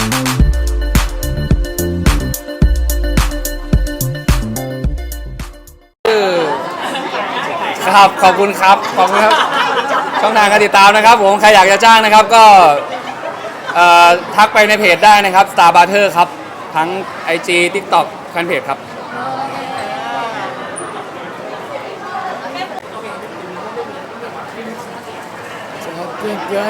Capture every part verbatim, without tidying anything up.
ครับขอบคุณครับขอบคุณครับช่องทางการติดตามนะครับผมใครอยากจะจ้างนะครับก็ทักไปในเพจได้นะครับ Star Butter ครับทั้ง ไอ จี TikTok แฟนเพจครับคิดเอาไหม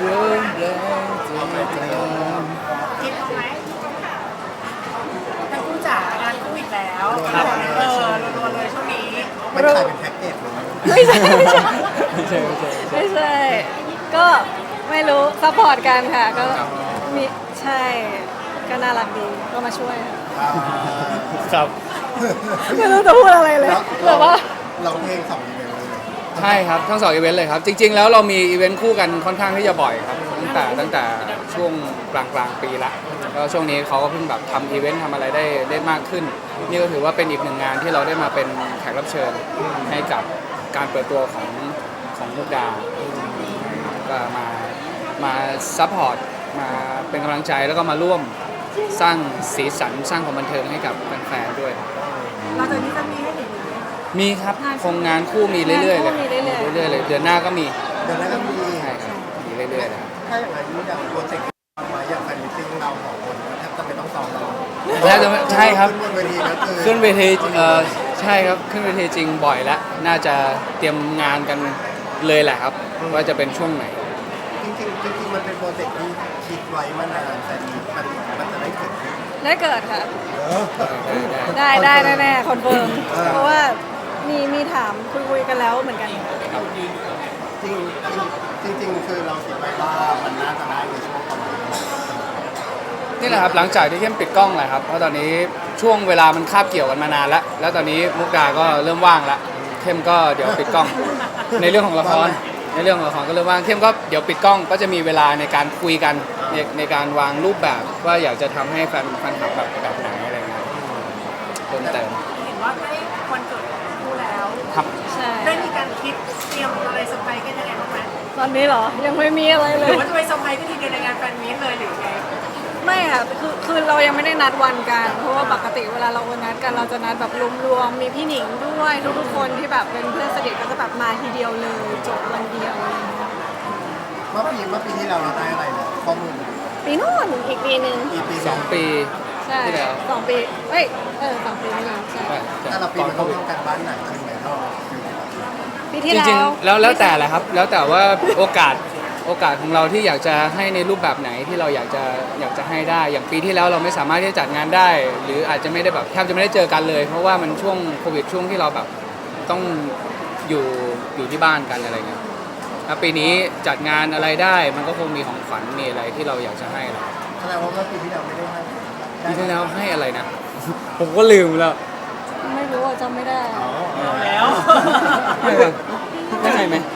ทั้งคู่จ๋างานคู่อีกแล้วเออรัวๆเลยช่วงนี้มันขายเป็นแพ็กเกจเลยไม่ใช่ไม่ใช่ไม่ใช่ไม่ใช่ก็ไม่รู้ซัพพอร์ตกันค่ะก็มีใช่ก็น่ารักดีก็มาช่วยครับไม่รู้จะพูดอะไรเลยแบบว่าเราเพลงสองอีเวนต์เลยใช่ครับทั้งสองอีเวนต์เลยครับจริงๆแล้วเรามีอีเวนต์คู่กันค่อนข้างที่จะบ่อยครับตั้งแต่ตั้งแต่ช่วงกลางกลางปีละแล้วช่วงนี้เขาก็เพิ่งแบบทำอีเวนต์ทำอะไรได้ได้มากขึ้นนี่ก็ถือว่าเป็นอีกหนึ่งงานที่เราได้มาเป็นแขกรับเชิญให้กับการเปิดตัวของของมุกดาก็มามาซัพพอร์ตมาเป็นกำลังใจแล้วก็มาร่วมสร้างสีสันสร้างความบันเทิงให้กับแฟนๆด้วยเราจะนี้จะมีให้เห็นมีครับคงงานคู่มีเรื่อยๆเลยเรื่อยๆเลยเดือนหน้าก็มีเดือนหน้าก็มีใช่ครับมีเรื่อยๆเลยถ้าอย่างไรนี้อย่างโปรเจกต์มาอย่างแฟนมิตติ้งเราของคนแทบจะไม่ต้องซ้อมเราแล้วใช่ครับขึ้นเวทีแล้วคือขึ้นเวทีเอ่อใช่ครับขึ้นเวทีจริงบ่อยแล้วน่าจะเตรียมงานกันเลยแหละครับว่าจะเป็นช่วงไหนจริงๆจริงๆมันเป็นโปรเจกต์ที่คิดไว้มานานแต่มันมันจะได้เกิดได้เกิดค่ะได้ได้แน่ๆคอนเฟิร์มเพราะว่ามีมีถามคุยคุยกันแล้วเหมือนกันจริงจริงจริงคือเราคิดไว้ว่ามันน่าจะได้ในช่วงประมาณนี่แหละครับหลังจากที่เข้มปิดกล้องแหละครับเพราะตอนนี้ช่วงเวลามันคาบเกี่ยวกันมานานแล้วแล้วตอนนี้มุกดาก็เริ่มว่างแล้วเข้มก็เดี๋ยวปิดกล้องในเรื่องของละครในเรื่องของละครก็เริ่มว่างเข้มก็เดี๋ยวปิดกล้องก็จะมีเวลาในการคุยกันในในการวางรูปแบบว่าอยากจะทำให้แฟนแฟนคลับแบบแบบไหนอะไรเงี้ยเพิ่มเติมเห็นว่าใกล้วันเกิดของคู่แล้วครับใช่ได้มีการคิดเตรียมอะไรเซอร์ไพรส์กันยังไงบ้างไหมตอนนี้เหรอยังไม่มีอะไรเลยหรือว่าจะไปเซอร์ไพรส์กันทีเดียวในงานแฟนมีตเลยหรือไงไม่ค่ะคือคือเรายังไม่ได้นัดวันกันเพราะว่าปกติเวลาเรานัดกันเราจะนัดแบบรวมๆมีพี่หนิงด้วยทุกๆคนที่แบบเป็นเพื่อนสนิทก็จะแบบมาทีเดียวเลยจบวันเดียวเมื่อปีเมื่อปีที่เราเราได้อะไรเนี่ยข้อมูลปีนู้นอีกปีหนึ่งอีกปีสองปีใช่สองปีเอ้ยเออสองปีนี่ใช่แต่ละปีมันต้องทำการบ้านหนักขึ้นไหมเท่าปีที่แล้วจริงๆแล้วแล้วแต่แหละครับแล้วแต่ว่าโอกาสโอกาสของเราที่อยากจะให้ในรูปแบบไหนที่เราอยากจะอยากจะให้ได้อย่างปีที่แล้วเราไม่สามารถที่จะจัดงานได้ หรืออาจจะไม่ได้แบบแทบจะไม่ได้เจอกันเลยเพราะว่ามันช่วงโควิดช่วงที่เราแบบต้องอยู่อยู่ที่บ้านกันอะไรเงี้ยแล้วปีนี้จัดงานอะไรได้มันก็คงมีของขวัญมีอะไรที่เราอยากจะให้เราแสดงว่าเมื่อปีที่เราไม่ได้ให้ปีที่แล้วให้อะไรนะผมก็ลืมแล้วไม่รู้อ่ะจำไม่ได้แล้วไม่เลยไม่ให้ไหม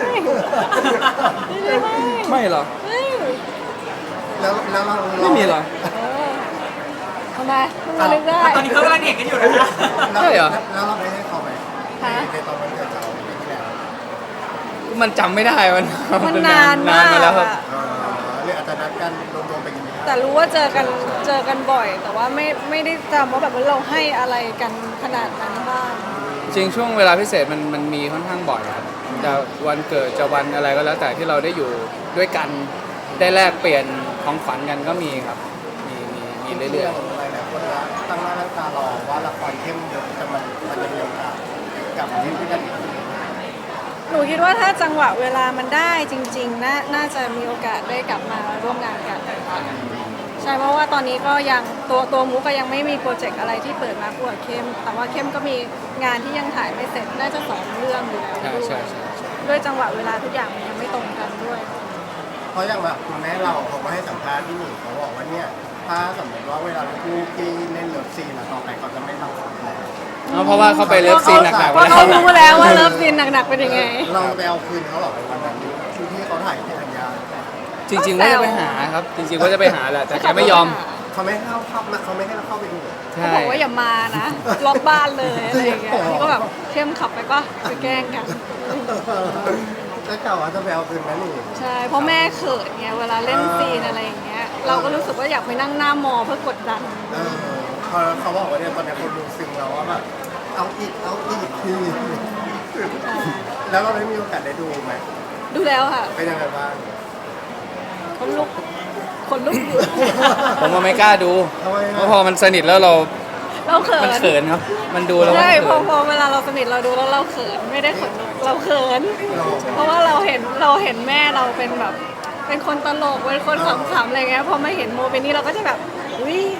ไม่หรอแล้วแล้วเราไม่มีหรอทำไมมาลึกได้ตอนนี้เขากำลังเด็กกันอยู่นะใช่เหรอแล้วเราไม่ให้เขาไหมในตอนวันเกิดเราปีที่แล้วมันจำไม่ได้มันมันนานมากมาแล้วครับเรื่องอาจจะนัดกันรวมๆไปกินแต่รู้ว่าเจอกันเจอกันบ่อยแต่ว่าไม่ไม่ได้จำว่าแบบว่าเราให้อะไรกันขนาดนั้นบ้างจริงช่วงเวลาพิเศษมันมันมีค่อนข้างบ่อยครับจะวันเกิดจะวันอะไรก็แล้วแต่ที่เราได้อยู่ด้วยกันได้แลกเปลี่ยนของขวัญกันก็มีครับมีมีมีเรื่อยๆอะไรนะคนละตั้งหน้าตั้งตารอว่าละครเข้มเยอะแต่มันมันจะมีโอกาสกลับมาที่ด้วยกันอีกหนูคิดว่าถ้าจังหวะเวลามันได้จริงๆน่าน่าจะมีโอกาสได้กลับมาร่วมงานกันใช่เพราะว่าตอนนี้ก็ยังตัวตัวมุกก็ยังไม่มีโปรเจกต์อะไรที่เปิดมาคู่กับเข้มแต่ว่าเข้มก็มีงานที่ยังถ่ายไม่เสร็จน่าจะสองเรื่องอยู่แล้วด้วยด้วยจังหวะเวลาทุกอย่างมันยังไม่ตรงกันด้วยเพราะอย่างแบบคุณแม่เราเขาก็ให้สัมภาษณ์ที่หนึ่งเขาบอกว่าเนี่ยถ้าสมมติว่าเวลาคู่ที่เล่นเลิฟซีนต่อไปเขาจะไม่ทำแล้วเพราะว่าเขาไปเลิฟซีนหนักๆเพราะเขารู้แล้วว่าเลิฟซีนหนักๆเป็นยังไงเราไปเอาคืนเขาหรอวันนั้นที่ที่เขาถ่ายที่ธัญญาจริงๆว่าจะไปหาครับจริงๆว่าจะไปหาแหละแต่แกไม่ยอมเขาไม่ให้เข้าเข้าเขาไม่ให้เราเข้าไปดูเขาบอกว่าอย่ามานะล็อกบ้านเลยอะไรอย่างเงี้ยก็แบบเข้มขับไปก็ไปแกล้งกันแล้วเก่าว่าจะไปเอาคืนไหมนี่ใช่เพราะแม่เขินไงเวลาเล่นซีนอะไรอย่างเงี้ยเราก็รู้สึกว่าอยากไปนั่งหน้ามอเพื่อกดดันเออพอเขาบอกว่าเนี่ยตอนนี้คนดูซึ้งแล้วว่าแบบเอาอีกเอาอีกทีแล้วเราได้มีโอกาสได้ดูไหมดูแล้วค่ะเป็นยังไงบ้างคนลุกคนลุกอยู่ผมว่าไม่กล้าดูทำไมเพราะพอมันสนิทแล้วเราเราเขิมันนเขินครับ มันดูแล้วมันใช่พอเขินพอเวลาเราสนิทเราดูแล้วเราเขินไม่ได้ขนลุกเราเขิน เพราะว่าเราเห็นเราเห็นแม่เราเป็นแบบ เป็นคนตลกเป็นคนขำๆอะไรเงี้ยพอมาเห็นโมเป็นนี้เราก็จะแบบอุ้ย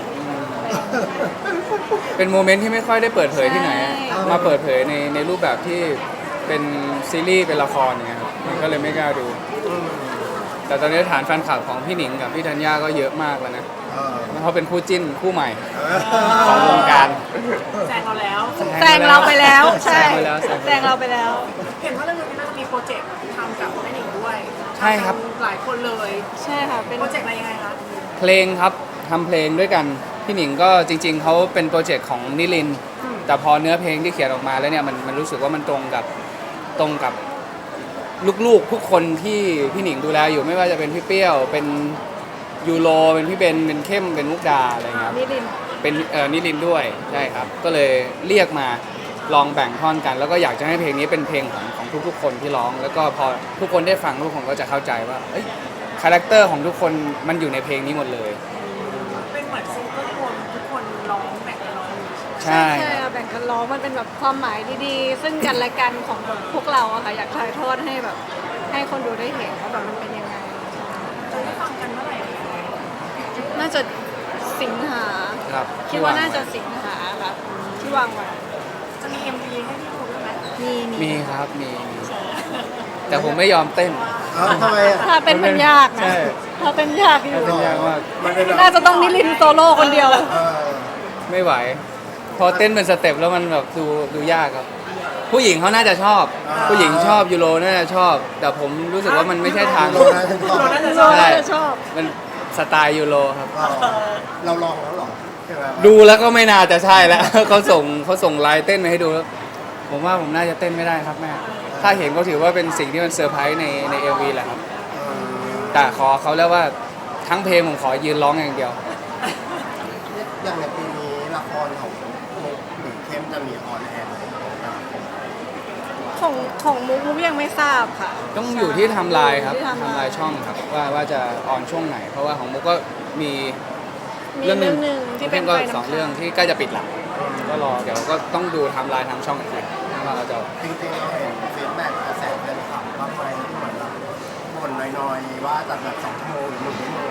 เป็นโมเมนต์ที่ไม่ค่อยได้เปิดเผยที่ไหนอะใช่มาเปิดเผยในในรูปแบบที่เป็นซีรีส์เป็นละครอย่างเงี้ยครับมันก็เลยไม่กล้าดู แต่ตอนนี้ฐานแฟนคลับของพี่หนิงกับพี่ธัญญาก็เยอะมากแล้วนะเออแล้วเขาเป็นคู่จิ้นคู่ใหม่เอของวงการแซงเราแล้วแซงเราไปแล้วใช่แซงไปแล้วแซงไปแล้วแซงเราไปแล้วเห็นว่าเรื่องนี้น่าจะมีโปรเจกต์ทำกับแม่หนิงด้วยใช่ครับหลายคนเลยใช่ค่ะเป็นโปรเจกต์อะไรยังไงคะเพลงครับทำเพลงด้วยกันพี่หนิงก็จริง ๆเขาเป็นโปรเจกต์ของนิลินทร์แต่พอเนื้อเพลงที่เขียนออกมาแล้วเนี่ยมันมันรู้สึกว่ามันตรงกับตรงกับลูกๆทุกคนที่พี่หนิงดูแลอยู่ไม่ว่าจะเป็นพี่เปรี้ยวเป็นยูโรเป็นพี่เบนเป็นเข้มเป็นมุกดาอะไรเงี้ยครับนิรินทร์เป็นเอ่อนิลินทร์ด้วยใช่ครับก็เลยเรียกมาลองแบ่งท่อนกัน แล้วก็อยากจะให้เพลงนี้เป็นเพลงของของทุกๆคนที่ร้อง แล้วก็พอทุกคนได้ฟังทุกคนก็จะเข้าใจว่าเอ้ยคาแรคเตอร์ของทุกคนมันอยู่ในเพลงนี้หมดเลยเป็นเหมือนซิงเกิลรวมทุกคนร้องแบ่งกันร้องใช่ใช่ค่ะแบ่งกันร้องมันเป็นแบบความหมายดีๆ ซึ่งกันและกันของแบบพวกเราอะค่ะอยากถ่ายทอดให้แบบ ให้คนดูได้เห็นว่าแบบมันเป็นยังไงจะได้ฟังกันเมื่อไหร่น่าจะสิงหาครับคิดว่าน่าจะสิงหาครับที่วางไว้จะมี เอ็ม วี ให้ที่ดูด้วยไหมมีมีครับมีมีแต่ผมไม่ยอมเต้นเอ้าทำไมอ่ะถ้าเป็นมันยากนะใช่ถ้าเป็นยากอยู่เป็นยากมากมันเป็นแบบน่าจะต้องนิรินทร์โซโล่คนเดียวเออไม่ไหว พอเต้นเป็นสเต็ปแล้วมันแบบดูดูยากครับ ผู้หญิงเขาน่าจะชอบ ผู้หญิงชอบยูโรน่าจะชอบ แต่ผมรู้สึกว่ามันไม่ใช่ทางโลนะถึงบอกโลน่าจะโซชอบโล่จะชอบมันสไตล์ยูโรครับเออเราลองแล้วเหรอใช่ไหมดูแล้วก็ไม่น่าจะใช่แล้ว เขาส่งเขาส่งไลน์เต้นมาให้ดูแล้วผมว่าผมน่าจะเต้นไม่ได้ครับแม่ ถ้าเห็นก็ถือว่าเป็นสิ่งที่มันเซอร์ไพรส์ในในเอวีแหละครับเออแต่ขอเขาแล้วว่าทั้งเพลงผมขอยืนร้องอย่างเดียวอย่างในปีนี้ละครของมุกหรือเข้มจะมีออนแอร์ไหมของของมุกมุกยังไม่ทราบค่ะต้องอยู่ที่ไทำลายครับที่ไทม์ไลน์ไทำลายช่องครับว่าว่าจะออนช่วงไหน เพราะว่าของมุกก็มีมีเรื่องหนึ่งที่เป็นก็ไฟสองน้ำเรื่องค้างที่ใกล้จะปิดละก็รอเดี๋ยวก็ต้องดูไทำลายทางช่องอีกทีว่าเราจะจริงๆเราเห็นฟีดแบ็กกระแสแฟนคลับบ้างไหมที่เหมือนแบบบ่นน้อยๆว่าตัดแบบสองชั่วโมงหรือหนึ่งชั่วโมง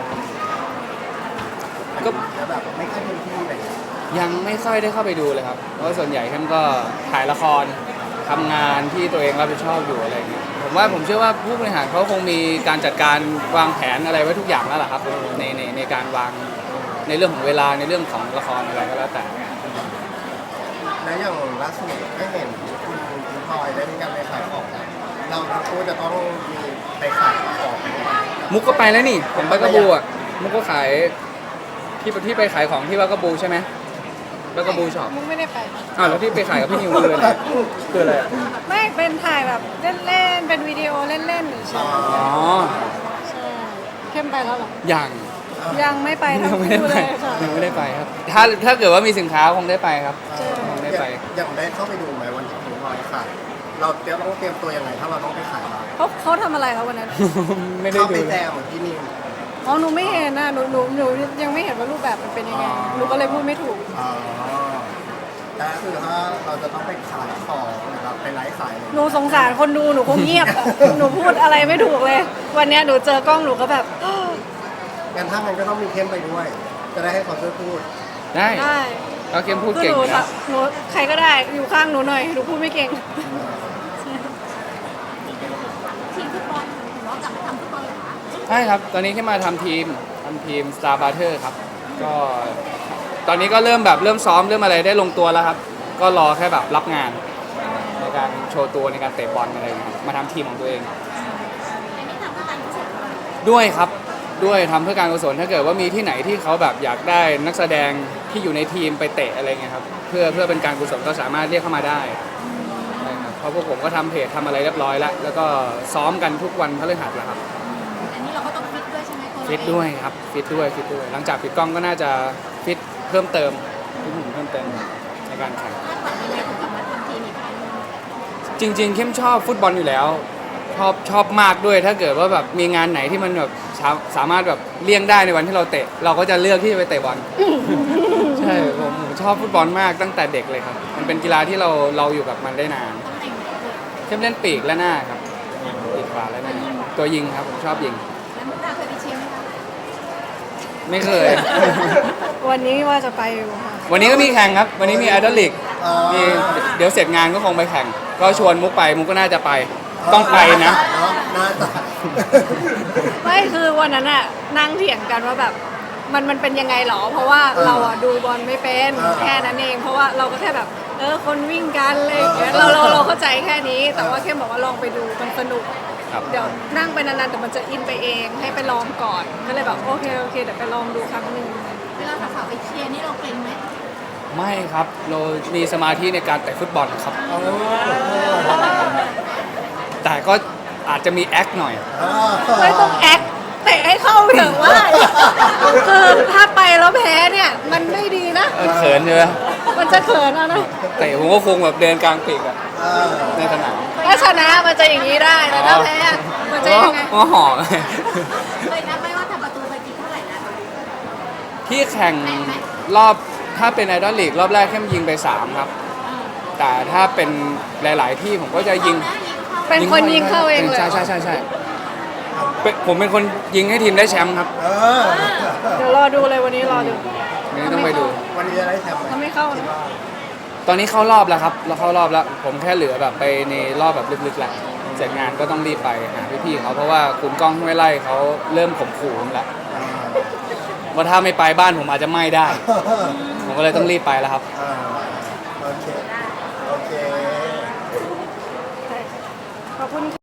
ก็แล้วแบบไม่ค่อยเต็มที่อะไรอย่างเงี้ยยังไม่ค่อยได้เข้าไปดูเลยครับ เพราะว่าส่วนใหญ่ท่านก็ถ่ายละครทำงานที่ตัวเองรับผิดชอบอยู่อะไรอย่างเงี้ยผมว่าผมเชื่อว่าผู้บริหารเขาคงมีการจัดการวางแผนอะไรไว้ทุกอย่างแล้วล่ะครับในในในการวางในเรื่องของเวลาในเรื่องของละครอะไรก็แล้วแต่แล้วอย่างล่าสุดก็เห็นคุณคุณพลอยได้มีการไปขายของเราทั้งคู่จะต้องมีไปขายของด้วยมุกก็ไปแล้วนี่ผมไปกระบูอ่ะมุกก็ขายที่ที่ไปขายของที่ว่ากระบูใช่ไหมแล้วกระบูช็อปมุกไม่ได้ไปอ้าวแล้วที่ไปขายกับพี่นิวคืออะไรคืออะไรอะไม่เป็นถ่ายแบบเล่นๆ เป็นวิดีโอเล่นๆหรือใช่อ๋อใช่เข้มไปแล้วเหรอยังยังไม่ไปทั้งยังไม่ได้คู่ไปเลยค่ะยังไม่ได้ไปครับ ถ้าถ้าเกิดว่ามีสินค้าคงได้ไปครับเออคงได้ไปอย่างได้เข้าไปดูไหมวันที่คุณพลอยขายเราเตรียมต้องเตรียมตัวยังไงถ้าเราต้องไปขายร้านเขาเขาทำอะไรคะวันนั้นไม่ได้เข้าดูไปเลแจยมเหมือนที่นี่อ๋อหนูไม่เห็นนะหนูหนูหนูยังไม่เห็นว่ารูปแบบมันเป็นยังไงอ๋อหนูก็เลยพูดไม่ถูกอ๋อแต่คือถ้าเราจะต้องไปขายของนะครับไปไลฟ์ขายอะไรหนูสงสารคนดูหนูคงเงียบอะ หนูพูดอะไรไม่ถูกเลย วันเนี้ยหนูเจอกล้องหนูก็แบบงั้นถ้ามันก็ต้องมีเข้มไปด้วย จะได้ให้เขาช่วยพูดได้ได้เราเกมพูดคือเก่งหนูอยู่แบนะบหนูใครก็ได้อยู่ข้างหนูหน่อยหนูพูดไม่เก่งทีมฟุตบอลถึงว่ากลับมาทำฟุตบอลเหรอคะใช่ครับ ตอนนี้ที่มาทำทีมทำทีม Star Brother ครับ ก็ตอนนี้ก็เริ่มแบบเริ่มซ้อมเริ่มอะไรได้ลงตัวแล้วครับ ก็รอแค่แบบรับงาน ในการโชว์ตัวในการเตะบอลอะไรอย่างเงี้ยมาทำทีมของตัวเองอันนี้ทำเพื่อการกุศลด้วยครับด้วยทำเพื่อการกุศลถ้าเกิดว่ามีที่ไหนที่เขาแบบอยากได้นักแสดงที่อยู่ในทีมไปเตะอะไรเงี้ยครับเพื่อเพื่อเป็นการกุศลก็สามารถเรียกเข้ามาได้ใช่ครับเพราะพวกผมก็ทำเพจทำอะไรเรียบร้อยแล้ว แล้วก็ซ้อมกันทุกวันพฤหัสแล้วครับอันนี้เราก็ต้องฟิตด้วยใช่ไหมตัวฟิตด้วยครับฟิตด้วยฟิตด้วยหลังจากปิดกล้องก็น่าจะฟิตเพิ่มเติมฟิตหุ่นเพิ่มเติมในการแข่งคาดหวังยังไงถึงกลับมาทำทีมอีกครั้งหนึ่งจริงๆเข้มชอบฟุตบอลอยู่แล้วชอบชอบมากด้วยถ้าเกิดว่าแบบมีงานไหนที่มันแบบสาสามารถแบบเลี่ยงได้ในวันที่เราเตะ เราก็จะเลือกที่จะไปเตะบอล ใช่ผมผมชอบฟุตบอลมากตั้งแต่เด็กเลยครับ มันเป็นกีฬาที่เราเราอยู่กับมันได้นานตำแหน่งไหนลูกเข้มเล่นปีกและหน้าครับปีกขวาและหน้าตัวยิงครับผมชอบยิงแล้วมุกดาเคยไปเชียร์ไหมคะไม่เคยวันนี้ว่าจะไปอยู่ค่ะวันนี้ก็มีแข่งครับ วันนี้มีไอดอลลีกเออมีเดี๋ยวเสร็จงานก็คงไปแข่ง ก็ชวนมุกไปมุกก็น่าจะไป ต้องไปนะเนาะน่าจะไม่คือวันนั้นอะนั่งเถียงกันว่าแบบมันมันเป็นยังไงหรอ เพราะว่าเราอะดูบอลไม่เป็นแค่นั้นเอง เพราะว่าเราก็แค่แบบเออคนวิ่งกันอะไรอย่างเงี้ยเราเราเราเข้าใจแค่นี้ แต่ว่าเข้มบอกว่าลองไปดูมันสนุกครับเดี๋ยวนั่งไปนานๆแต่มันจะอินไปเองให้ไปลองก่อนก็เลยแบบโอเคโอเคเดี๋ยวไปลองดูครั้งหนึ่งเวลาสาวๆไปเชียร์นี่เราเกรงไหมไม่ครับ เรามีสมาธิในการเตะฟุตบอลครับ แต่ก็อาจจะมีแอคหน่อยไม่ต้องแอคเตะให้เข้าเถอะว่า คือถ้าไปแล้วแพ้เนี่ยมันไม่ดีนะเออเขินใช่ไหมมันจะเขินเอานะเตะผมก็คงแบบเดินกลางปีกอะเออในสนามถ้าชนะมันจะอย่างนี้ได้แต่ถ้าแพ้มันจะยังไงก็ห่อเคยนับไหมว่าทำประตูไปกี่เท่าไหร่นะที่แข่งรอบถ้าเป็นไอดอลลีกรอบแรกแค่ยิงไปสามครับ แต่ถ้าเป็นหลาย ๆ ที่ผมก็จะยิงเป็นคนยิงเข้าเองเลยใช่ใช่ใช่ใช่เป็นผมเป็นคนยิงให้ทีมได้แชมป์ครับเออเดี๋ยวรอดูเลยวันนี้รอดูนี่ต้องไปดูวันนี้จะได้แชมป์ไหมถ้าไม่เข้านะตอนนี้เข้ารอบแล้วครับ เราเข้ารอบแล้ว ผมแค่เหลือแบบไปในรอบแบบลึกๆแล้วเสร็จงานก็ต้องรีบไปหาพี่ๆเขาเพราะว่าคุณก้องห้วยไล่เขาเริ่มข่มขู่ผมแล้วว่าถ้าไม่ไปบ้านผมอาจจะไหม้ได้ ผมก็เลยต้องรีบไปแล้วครับเออโอเค